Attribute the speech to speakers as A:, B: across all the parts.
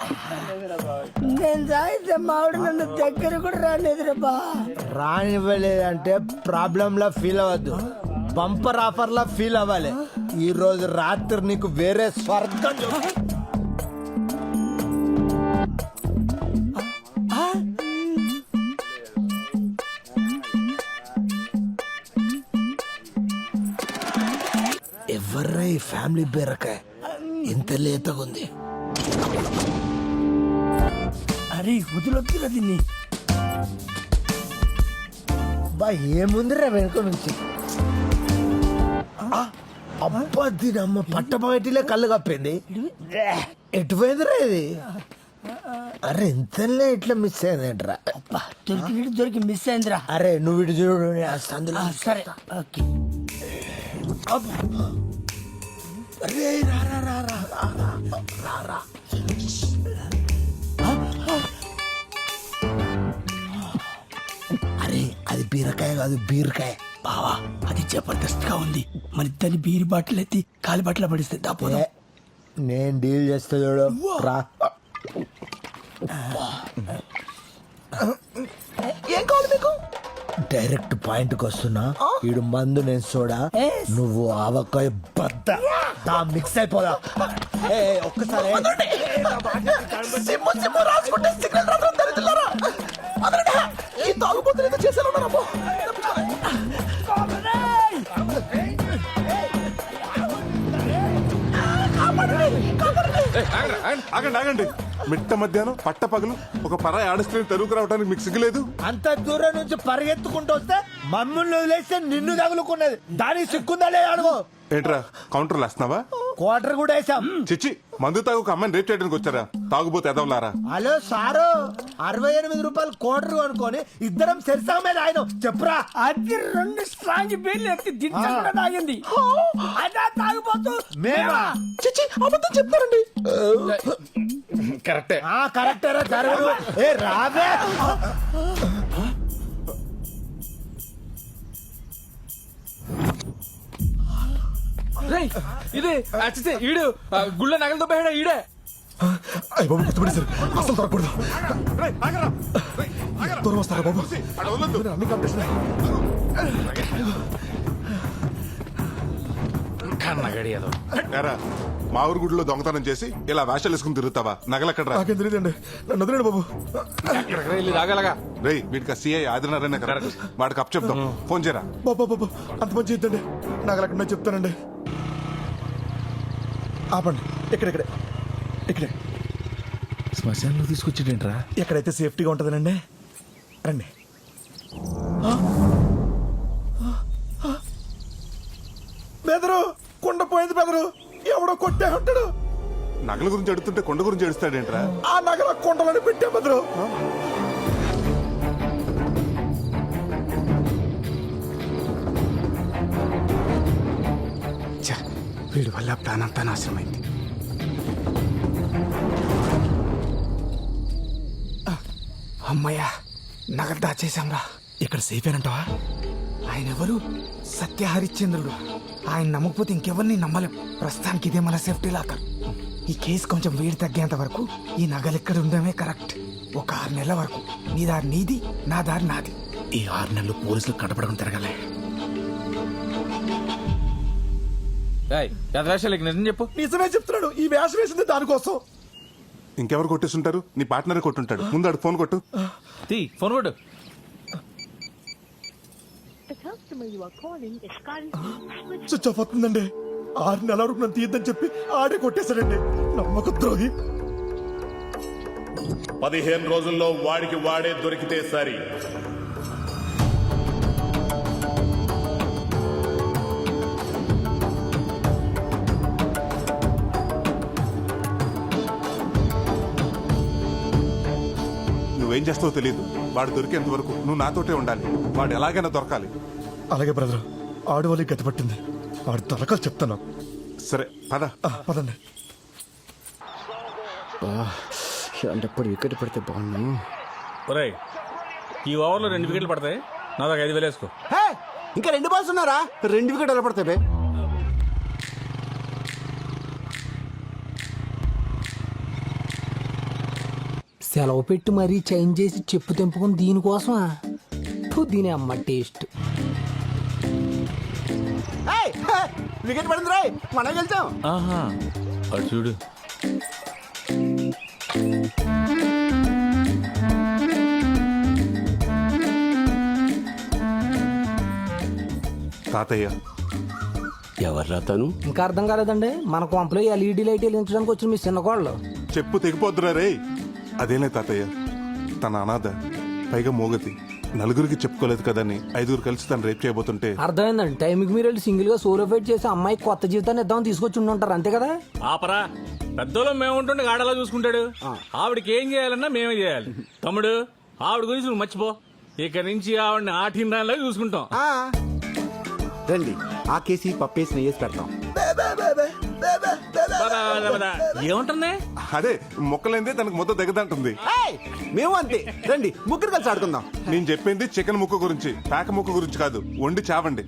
A: నేను తాగితే మావిడ నన్ను దగ్గర కూడా రాలేదురా బా.
B: రానివ్వలేదంటే ప్రాబ్లం లా ఫీల్ అవ్వద్దు, బంపర్ ఆఫర్ లా ఫీల్ అవ్వాలి. ఈ రోజు రాత్రి నీకు వేరే స్వర్గం ఎవర్రా ఈ ఫ్యామిలీ బీరకాయ ఇంత లేతగుంది?
A: అరే వదిలొద్దురా దీన్ని.
B: బా ఏముందిరా వెనుక నుంచి? అబ్బా దీని అమ్మ పట్టపగటిలే కళ్ళు కప్పింది. ఎటుపోయిందిరా ఇది? అరే ఇంతలే ఇట్లా మిస్ అయిందేంట్రా?
A: అబ్బా దొరికినట్టు దొరికి మిస్ అయిందిరా.
B: అరే నువ్వు ఇటు చూడు, అందులో
A: సరే ఓకే.
B: అరే రా రా రా రా రా రా రా. అరే అది బీరకాయ కాదు, బీరకాయ.
A: బావా అది జబర్దస్త్ గా ఉంది. మన ఇద్దరిని బీరి బాటిల్ ఎత్తి కాలి బాటిల్ పడిస్తే దాపోదా.
B: నేను డీల్ చేస్తా చూడు, రా. ఏం కావాలి మీకు? డైరెక్ట్ పాయింట్ కి వస్తున్నా. ఈడు మందు, నేను సోడా, నువ్వు ఆవకాయ బద్ద. మిక్స్ అయిపోదా ఒక్కసారి.
C: ఆగండి ఆగండి, మిట్ట మధ్యాహ్నం పట్ట పగలు ఒక పరాయి ఆడస్ట్రీని తరువుకు రావడానికి మీకు సిగ్గులేదు?
B: అంత దూరం నుంచి పరిగెత్తుకుంటూ వస్తే మమ్మల్ని వదిలేస్తే నిన్ను తగులుకున్నది. దానికి సిక్కుందా లేదా అడుగు.
C: ఏంట్రా కౌంటర్లు వేస్తున్నావా?
B: క్వార్టర్ కూడా వేసాం.
C: చిచ్చి, మందు తాగు ఒక అమ్మాయిని రేప్ చేయడానికి వచ్చారా? తాగుబోతే ఎదవలారా.
B: హలో సారు, 68 రూపాయలు క్వార్టర్ అనుకోని ఇద్దరం సెరిసా మీద ఆయన చెప్పురా.
A: అది 2 స్ట్రాంగ్ బీర్లు ఎత్తి దించకుండా తాగింది. అదా తాగిపోతూ
B: మేమా?
A: చిచ్చి అబద్ధం చెప్తారండి.
C: కరెక్టే.
B: కరెక్టరా జరగదు. ఏ రావే.
D: ఇదే ఈడు గుళ్ళ నగలతో పోయాడా ఈడే.
E: అయ్య బాబు గుర్తుపడి సార్, అసలు దొరకకూడదు. దూరం వస్తారా బాబు? అన్ని కాంపిటీషన్.
C: ఎరా, మా ఊరు గుడిలో దొంగతనం చేసి ఇలా వేషాలు వేసుకుని తిరుగుతావా? నగలెక్కడ్రా?
E: నాకేం తెలియదండి, నన్ను వదిలేండి బాబు.
D: రాగలగా
C: రేయ్, వీటికి సిఐ ఆదినారాయణ కదా, వాడికి అప్ చెప్తాం. ఫోన్ చేయరా.
E: బాబా బాబు అంత మంచి ఇద్దండి, నగలెక్కడ చెప్తానండి. ఆపండి, ఇక్కడే ఇక్కడే.
D: శ్మశానంలో తీసుకొచ్చేటేంట్రా?
E: ఎక్కడైతే సేఫ్టీగా ఉంటుందనండి. రండి. బెదరు, కుండ పోయింది బెదరు. ఎవడో కొట్టే ఉంటాడు.
C: నగల గురించి అడుగుతుంటే కొండ గురించి అడుస్తాడేంట్రా?
E: ఆ నగల కుండలని పెట్టే బెదరు.
D: వీడి వల్ల ప్లాన్ అంతా నాశనమైంది. అమ్మయ్యా, నగలు దాచేశాంరా.
E: ఇక్కడ సేఫ్ ఏనంటావా?
D: ఆయన ఎవరు? సత్య హరిశ్చంద్రుడు. ఆయన నమ్మకపోతే ఇంకెవరిని నమ్మలేం. ప్రస్తుతానికి ఇదే మన సేఫ్టీ లాకర్. ఈ కేసు కొంచెం వేడి తగ్గేంత వరకు ఈ నగలు ఇక్కడ ఉండడమే కరెక్ట్. ఒక 6 నెలల వరకు నీ దారి నీది, నా దారి నాది.
E: ఈ 6 నెలలు పోలీసులు కనపడకుండా తిరగలే.
D: నిజం చెప్పు.
E: నిజమే చెప్తున్నాడు. ఈ వేషం వేసింది దానికోసం.
C: ఇంకెవరు కొట్టేస్తుంటారు? నీ పార్ట్నరే కొట్టుంటాడు. ముందు అడు ఫోన్ కొట్టు.
D: ఫోన్ కొట్టు.
E: స్విచ్ ఆఫ్ అవుతుందండి. 6 నెలల వరకు నన్ను తీయద్దని చెప్పి ఆడే కొట్టేశాడండి. నమ్మక ద్రోహి.
F: 15 రోజుల్లో వాడికి వాడే దొరికితే సరి.
C: నువ్వేం చేస్తావో తెలియదు. వాడు దొరికేంత వరకు నువ్వు నాతోటే ఉండాలి. వాడు ఎలాగైనా దొరకాలి.
E: అలాగే బ్రదర్, ఆడవాళ్ళకి గతి పట్టింది. వాడు దొరకాలి చెప్తాను.
C: సరే పద.
E: పదండి.
G: అలాంటప్పుడు వికెట్ పడితే బాగున్నాను.
D: ఈ ఓవర్లో 2 వికెట్లు పడతాయి. నా దాకా 5,000 వేసుకో.
G: ఇంకా 2 బాల్స్ ఉన్నారా? 2 వికెట్లు పడతాయి.
H: సెలవు పెట్టి మరీ చేంజ్ చేసి చెప్పు తెంపుకుని దీనికోసమా ఫు, దీని అమ్మ టేస్ట్.
G: వికెట్ పడింది రాయ్, మనం గెలిచాం.
I: ఆహా అటు చూడు.
C: తాతయ్య
G: ఎవర్రా తను?
H: ఇంకా అర్థం కాలేదండి, మన కొంపలో ఎల్ఈడి లైట్ వెలిగించడానికి వచ్చిన మీ చిన్న కోళ్ళు.
C: చెప్పు తెగిపోద్దురా రే. అదేలే తాతయ్య, తన అనాథ, పైగా మోగతి, నలుగురికి చెప్పుకోలేదు కదని 5 కలిసి తను రేప్ చేయబోతుంటే.
H: అర్థమైందండి, టైంకి మీరు వెళ్ళి సింగిల్ గా సోలో ఫైట్ చేసి అమ్మాయికి కొత్త జీవితాన్ని ఇద్దామని తీసుకొచ్చి ఉండుంటారు, అంతే కదా?
I: ఆపరా, పెద్దలో మేము ఉంటుండే ఆడలా చూసుకుంటాడు. ఆవిడకి ఏం చేయాలన్నా మేమే చేయాలి. తమ్ముడు, ఆవిడ గురించి నువ్వు మర్చిపో. ఇక నుంచి ఆవిడని ఆటిండాలా చూసుకుంటాం.
G: రండి, ఆ కేసి పప్పేసి నెయ్యేసి పెడతాం.
I: ఏముంటుంది?
C: అదే మొక్కలైందే తనకు మొత్తం దగ్గదంటుంది.
G: మేము అంతే, రండి ముగ్గురు కలిసి ఆడుకుందాం.
C: నేను చెప్పింది చికెన్ ముక్క గురించి, పేక ముక్క గురించి కాదు. వండి చావండి.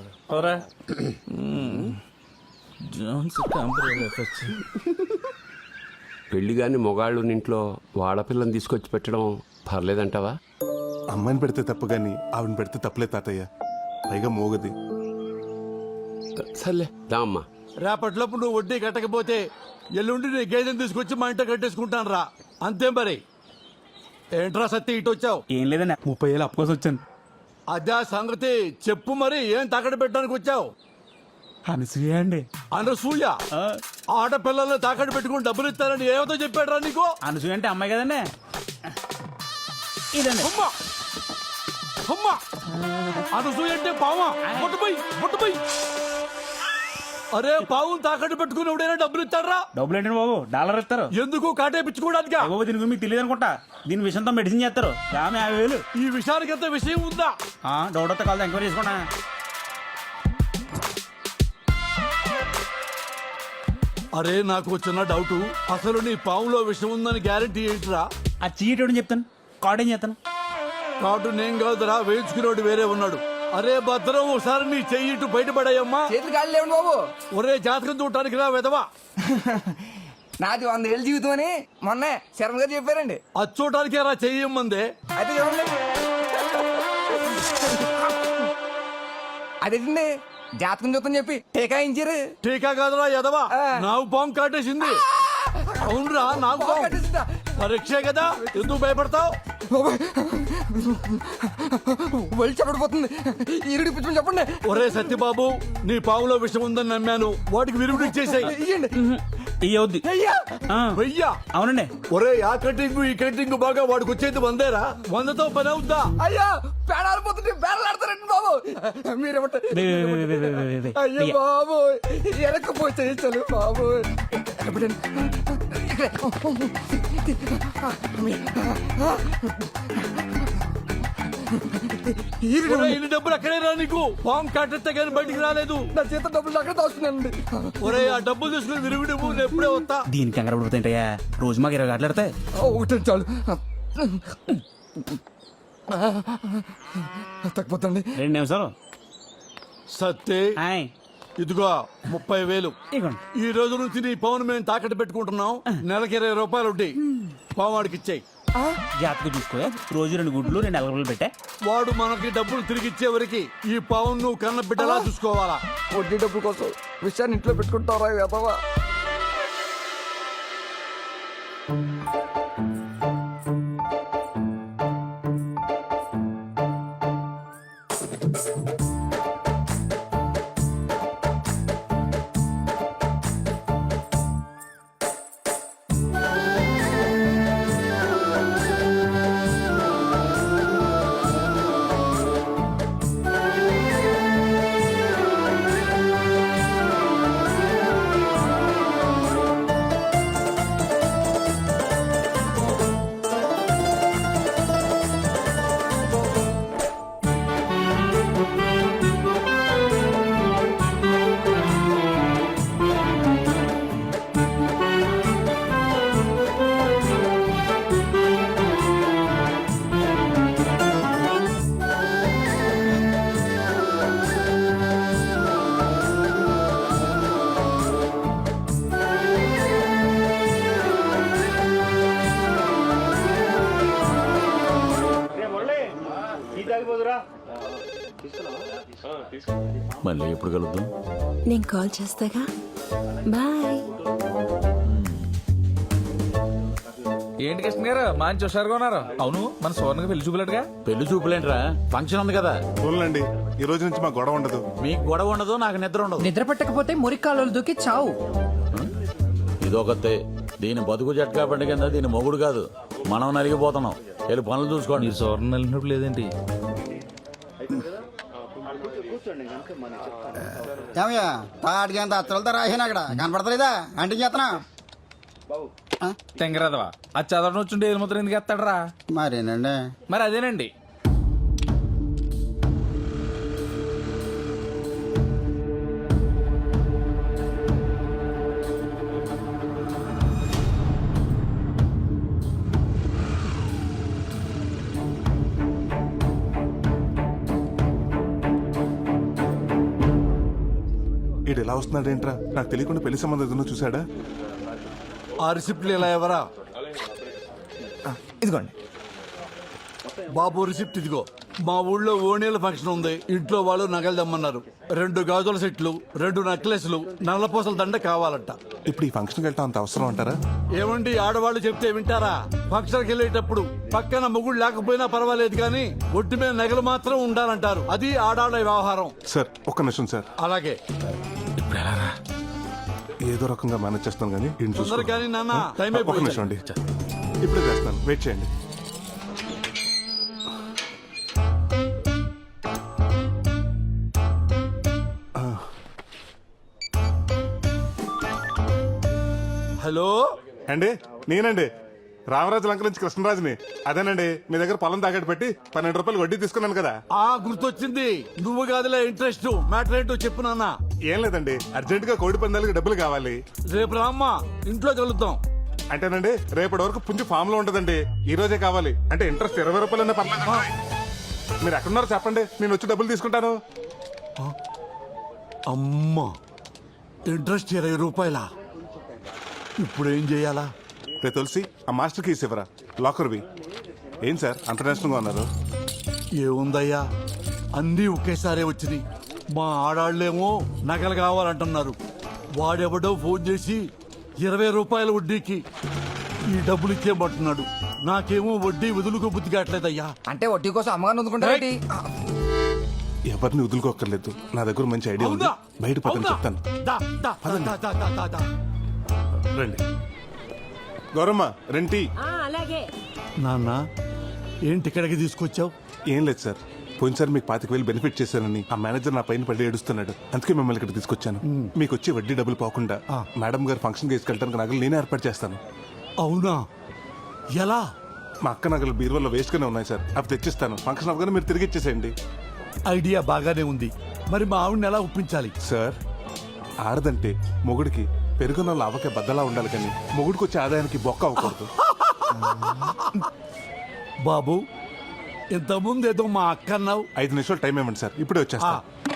J: పెళ్లి గాని మొగాళ్ళు ఇంట్లో వాడపిల్లని తీసుకొచ్చి పెట్టడం పర్లేదంటావా?
C: అమ్మాయిని పెడితే తప్పు గాని ఆవిడని పెడితే తప్పులే తాతయ్య, పైగా మోగది.
J: సర్లే దా అమ్మా.
E: రేపటిలోపు నువ్వు వడ్డీ కట్టకపోతే ఎల్లుండి నీ గేదెని తీసుకొచ్చి మా ఇంట కట్టేసుకుంటాను రా, అంతే మరి. ఏంట్రా సత్తి ఇటు వచ్చావు?
I: ఏం లేదన్నా, 30,000 అప్పు కోసం వచ్చాను.
E: అదే సంగతి చెప్పు మరి, ఏం తాకట్టు పెట్టడానికి వచ్చావు?
I: అనసూయ అండి.
E: అనసూయ? ఆడపిల్లల్ని తాకట్టు పెట్టుకుని డబ్బులు ఇస్తారని ఏమతో చెప్పాడు రా నీకు?
I: అనసూయ అంటే అమ్మాయి కదండి. ఇదండి.
E: అమ్మా అమ్మా, అనసూయ అంటే పావా? ముట్టుపోయి. అరే, పావు తాకట్టు పెట్టుకుని ఎవడైనా డబ్బులు ఇస్తారా?
I: డబ్బులు ఏంటండి బాబు, డాలర్ ఇస్తారు.
E: ఎందుకు కాటేపించుకోవడానికి?
I: బాబు దీని గురించి మీకు తెలియదు అనుకుంటా. దీని విషయంతో మెడిసిన్ చేస్తారు. ఆమె 50,000.
E: ఈ విషయానికి ఎంత విషయం ఉందా?
I: డౌట్ వస్తే కాదు, ఎంక్వైరీ చేసుకుంటా.
E: అరే, నాకు చిన్న డౌట్, అసలు నీ పావులో విషయం ఉందని గ్యారెంటీ ఏంటిరా?
I: ఆ చీట్ చెప్తాను, కార్డ్ ఏం చేస్తాను.
E: కాటు నేను కాదురా, వేయించుకునేవాడు వేరే ఉన్నాడు. అరే భద్రం, ఒకసారి నీ చెయ్యి ఇటు బయటపడాయమ్మా.
D: చేతులు కాళ్ళు లేవండి బాబు.
E: ఒరే, జాతకం చూడటానికి రా వెదవా.
D: నాది 100 ఏళ్ళ జీవితం అని మొన్న శర్మ గారు చెప్పారండి.
E: అది చూడటానికే రా చెయ్యమ్మందే.
D: అయితే చూడండి, అదేంటండి జాతకం చూద్దాం చెప్పి టీకాయించారు.
E: టీకా కాదురా ఎదవా, నాకు పాము కాటేసింది. అవునరా, నాకు పాము పరీక్షే కదా, ఎందుకు భయపడతావు?
D: వెళ్ళి చెప్పడిపోతుంది, ఈరుడి పిచ్చి చెప్పండి.
E: ఒరే సత్యబాబు, నీ పాములో విషయం ఉందని నమ్మాను, వాటికి విరుగుడు ఇచ్చేసాయి.
I: ఇయ్యవుద్ది.
E: వెయ్యా?
I: అవునండి.
E: ఒరే, ఆ కటింగ్ ఈ కటింగ్ బాగా వాడికి వచ్చేది 100రా. 100తో పని అవుద్దా?
D: అయ్యా, పేడాలిపోతుంటే పేడలాడతారండి బాబు. మీరేమంటారు? అయ్యో బాబు, వెనకపోతే చలు బాబు.
E: ఇన్ని డబ్బులు అక్కడే రా, నీకు పాము కాటెత్తే కానీ బయటికి రాలేదు.
D: నా చేత డబ్బులు అక్కడ దాస్తున్నానండి.
E: ఒరే, ఆ డబ్బులు తీసుకుని విరుగుడు నేను ఎప్పుడే వస్తా.
I: దీనికి కంగారు పడిపోతాయంటయ్యా, రోజు మాకు 20 గంటలు ఆడతాయి.
D: ఒకటి చాలు, తగ్గిపోతండి.
I: 2 నిమిషాలు.
E: సత్తే, ఇదిగో 30,000. ఈ రోజు నుంచి నీ పవన్ మేము తాకట్టు పెట్టుకుంటున్నాం. నెలకి 20 రూపాయలు ఉంటాయి. పావాడికి ఇచ్చాయి.
I: జాతకు చూసుకో, రోజు 2 గుడ్లు 2 ఎలగలు పెట్టా.
E: వాడు మనకి డబ్బులు తిరిగి ఇచ్చే వరకు ఈ పవన్ నువ్వు కన్న బిడ్డలా చూసుకోవాలా.
D: వడ్డీ డబ్బుల కోసం విషయాన్ని ఇంట్లో పెట్టుకుంటారా వెదవా?
I: మళ్ళీ ఎప్పుడు కలుద్దాం?
K: నేను కాల్ చేస్తాగా. బాయ్.
I: ఏంటి కృష్ణ గారు మంచి హుషారుగా ఉన్నారు? అవును, మన సోర్ణకి పెళ్లి చూపులేటుగా. పెళ్లి చూపులేంట్రా, ఫంక్షన్ ఉంది కదా.
C: చూడండి, ఈ రోజు నుంచి మా గొడవ ఉండదు.
I: మీకు గొడవ ఉండదు, నాకు నిద్ర ఉండదు.
H: నిద్ర పట్టకపోతే మురికాలు దూకి చావు.
I: ఇదొకతే. దీని బతుకు జట్కా పండుగ కింద దీని మొగుడు కాదు, మనం నలిగిపోతున్నాం. వెళ్ళి పనులు చూసుకోండి. సోర్ణ నలిగినప్పుడు లేదేంటి?
G: ఏమయ్యా తాటికి అంత అత్తలతో రాసాను అక్కడ కనపడతలేదా అంటే చేతనా
I: తెంగరాదవా, అది చదవడం వచ్చుంటే ఏది ముద్ర ఎందుకు ఎత్తాడరా?
G: మరేనండి.
I: మరి అదేనండి.
C: ఈడు ఎలా వస్తున్నాడు ఏంట్రా? నాకు తెలియకుండా పెళ్లి సంబంధం ఏదైనా చూసాడా?
E: ఆ రిసిప్ట్లు ఇలా ఎవరా?
D: ఇదిగోండి
E: బాబు రిసిప్ట్ ఇదిగో. మా ఊళ్ళో ఓణీల ఫంక్షన్ ఉంది. ఇంట్లో వాళ్ళు నగలు దమ్మన్నారు. 2 గాజుల సెట్లు, 2 నెక్లెస్లు, నల్లపూసల దండ కావాలంట.
C: ఇప్పుడు ఈ ఫంక్షన్కి వెళ్తా అంత అవసరం అంటారా?
E: ఏమండి, ఆడవాళ్ళు చెప్తే వింటారా? ఫంక్షన్కి వెళ్ళేటప్పుడు పక్కన మొగుడు లేకపోయినా పర్వాలేదు కానీ ఒడ్డు మీద నగలు మాత్రం ఉండాలంటారు. అది ఆడాళ్ళ వ్యవహారం.
C: సార్ ఒక్క నిమిషం సార్.
E: అలాగే.
C: ఏదో రకంగా మేనేజ్ చేస్తాను కానీ ఈయన చూసుకో.
E: తొందరగా కానీ నాన్న, టైం
C: ఒక్క
E: అయిపోయింది.
C: నిమిషం అండి, ఇప్పుడే చేస్తాను, వెయిట్ చేయండి.
E: హలో
C: అండి, నేనండి రామరాజు లంక నుంచి కృష్ణరాజుని. అదేనండి, మీ దగ్గర పొలం తాకట్టు పెట్టి 12 రూపాయలు వడ్డీ తీసుకున్నాను కదా.
E: గుర్తొచ్చింది. నువ్వు కాదులే ఇంట్రెస్ట్. మ్యాటర్ ఏంటో చెప్పు నాన్న.
C: ఏం లేదండి, అర్జెంట్ గా కోడి పందాలకి డబ్బులు కావాలి.
E: రేపు రామ్మా, ఇంట్లో కలుద్దాం.
C: అంటేనండి, రేపటి వరకు పుంజు ఫామ్ లో ఉంటదండి. ఈ రోజే కావాలి. అంటే ఇంట్రెస్ట్ 20 రూపాయలన్నా పర్లేదు. మీరు ఎక్కడున్నారో చెప్పండి, నేను వచ్చి డబ్బులు తీసుకుంటాను.
E: అమ్మా, ఇంట్రెస్ట్ 20 రూపాయలా? ఇప్పుడు ఏం చేయాలా?
C: రే తులసి, ఆ మాస్టర్ కీస్ ఇవ్వరా, లాకర్వి. ఏం సార్ అంత నేషనల్గా ఉన్నారు?
E: ఏముందయ్యా, అన్నీ ఒకేసారే వచ్చినాయి. మా ఆడాళ్ళేమో నగలు కావాలంటున్నారు. వాడెవడో ఫోన్ చేసి 20 రూపాయల వడ్డీకి ఈ డబ్బులు ఇచ్చేయమంటున్నాడు. నాకేమో వడ్డీ వదులుకో బుద్ధి కావట్లేదయ్యా.
H: అంటే వడ్డీ కోసం అమ్మగారు అందుకుంటారేంటి?
C: ఎవరిని వదులుకోక్కర్లేదు, నా దగ్గర మంచి ఐడియా ఉంది. బయట పక్కన చెప్తాను. రండి గౌరమ్మ, రెంటి.
K: అలాగే.
E: నాన్న, ఏంటి ఇక్కడికి తీసుకొచ్చావు?
C: ఏం లేదు సార్, పోయినసారి మీకు 25,000 బెనిఫిట్ చేశానని ఆ మేనేజర్ నా పైన పడి ఏడుస్తున్నాడు. అందుకే మిమ్మల్ని ఇక్కడ తీసుకొచ్చాను. మీకు వచ్చే వడ్డీ డబ్బులు పోకుండా మేడం గారు ఫంక్షన్ తీసుకెళ్ళడానికి నగలు నేనే ఏర్పాటు చేస్తాను.
E: అవునా? ఎలా?
C: మా అక్క నగలు బీరువాలో వేస్ట్ గానే ఉన్నాయి సార్, అవి తెచ్చిస్తాను. ఫంక్షన్ అవగానే మీరు తిరిగి ఇచ్చేసేయండి.
E: ఐడియా బాగానే ఉంది. మరి మా ఆవిడని ఎలా ఒప్పించాలి?
C: సార్, ఆడదంటే మొగుడికి పెరుగున్న లావకే బద్దలా ఉండాలి కానీ మొగుడికి వచ్చే ఆదాయానికి బొక్క అవ్వకూడదు.
E: బాబు, ఇంతకుముందు ఏదో మా అక్క అన్నావు.
C: 5 నిమిషాలు టైం ఇవ్వండి సార్, ఇప్పుడే వచ్చేస్తా.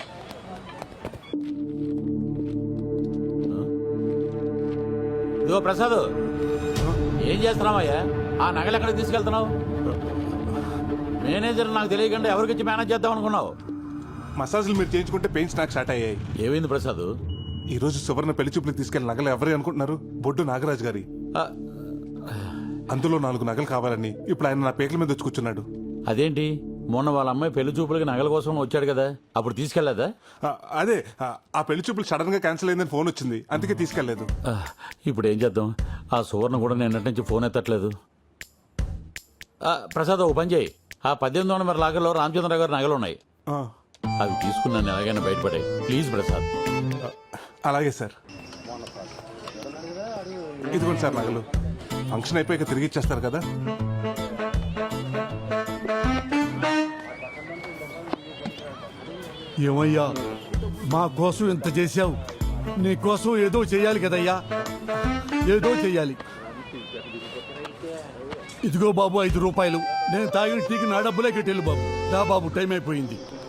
I: ఇదిగో ప్రసాద్, ఏం చేస్తున్నావయ్యా? ఆ నగలు ఎక్కడికి తీసుకెళ్తున్నావు? మేనేజర్ నాకు తెలియకుండా ఎవరికిచ్చి మేనేజ్ చేద్దాం అనుకున్నావు?
C: మసాజులు మీరు చేయించుకుంటే పెయిన్స్ నాకు స్టార్ట్ అయ్యాయి.
I: ఏమైంది ప్రసాద్?
C: ఈ రోజు సువర్ణ పెళ్లి చూపులకు తీసుకెళ్లిన నగలు ఎవరు అనుకుంటున్నారు? బొడ్డు నాగరాజు గారి. అందులో 4 నగలు కావాలని ఇప్పుడు ఆయన నా పేకల మీద వచ్చి కూర్చున్నాడు.
I: అదేంటి, మొన్న వాళ్ళ అమ్మాయి పెళ్లి చూపులకి నగల కోసం వచ్చాడు కదా, అప్పుడు తీసుకెళ్లేదా?
C: అదే, ఆ పెళ్లి చూపులు సడన్ గా క్యాన్సిల్ అయిందని ఫోన్ వచ్చింది, అందుకే తీసుకెళ్లేదు.
I: ఇప్పుడు ఏం చేద్దాం? ఆ సువర్ణ కూడా నిన్నటి నుంచి ఫోన్ ఎత్తట్లేదు. ప్రసాద్, ఓ పని చేయి. ఆ 18వ నెంబర్ లాగర్లో రామచంద్రరావు గారి నగలు ఉన్నాయి, అవి తీసుకున్నాను ఎలాగైనా బయటపడాయి. ప్లీజ్ ప్రసాద్.
C: అలాగే సార్. ఇదిగోండి సార్ నగలు. ఫంక్షన్ అయిపోయాక తిరిగి ఇచ్చేస్తారు కదా.
E: ఏమయ్యా, మా కోసం ఇంత చేశావు, నీ కోసం ఏదో చెయ్యాలి కదయ్యా, ఏదో చెయ్యాలి. ఇదిగో బాబు 5 రూపాయలు. నేను తాగిన టీకి నా డబ్బులే కట్టేళ్ళు బాబు. దా బాబు, టైం అయిపోయింది.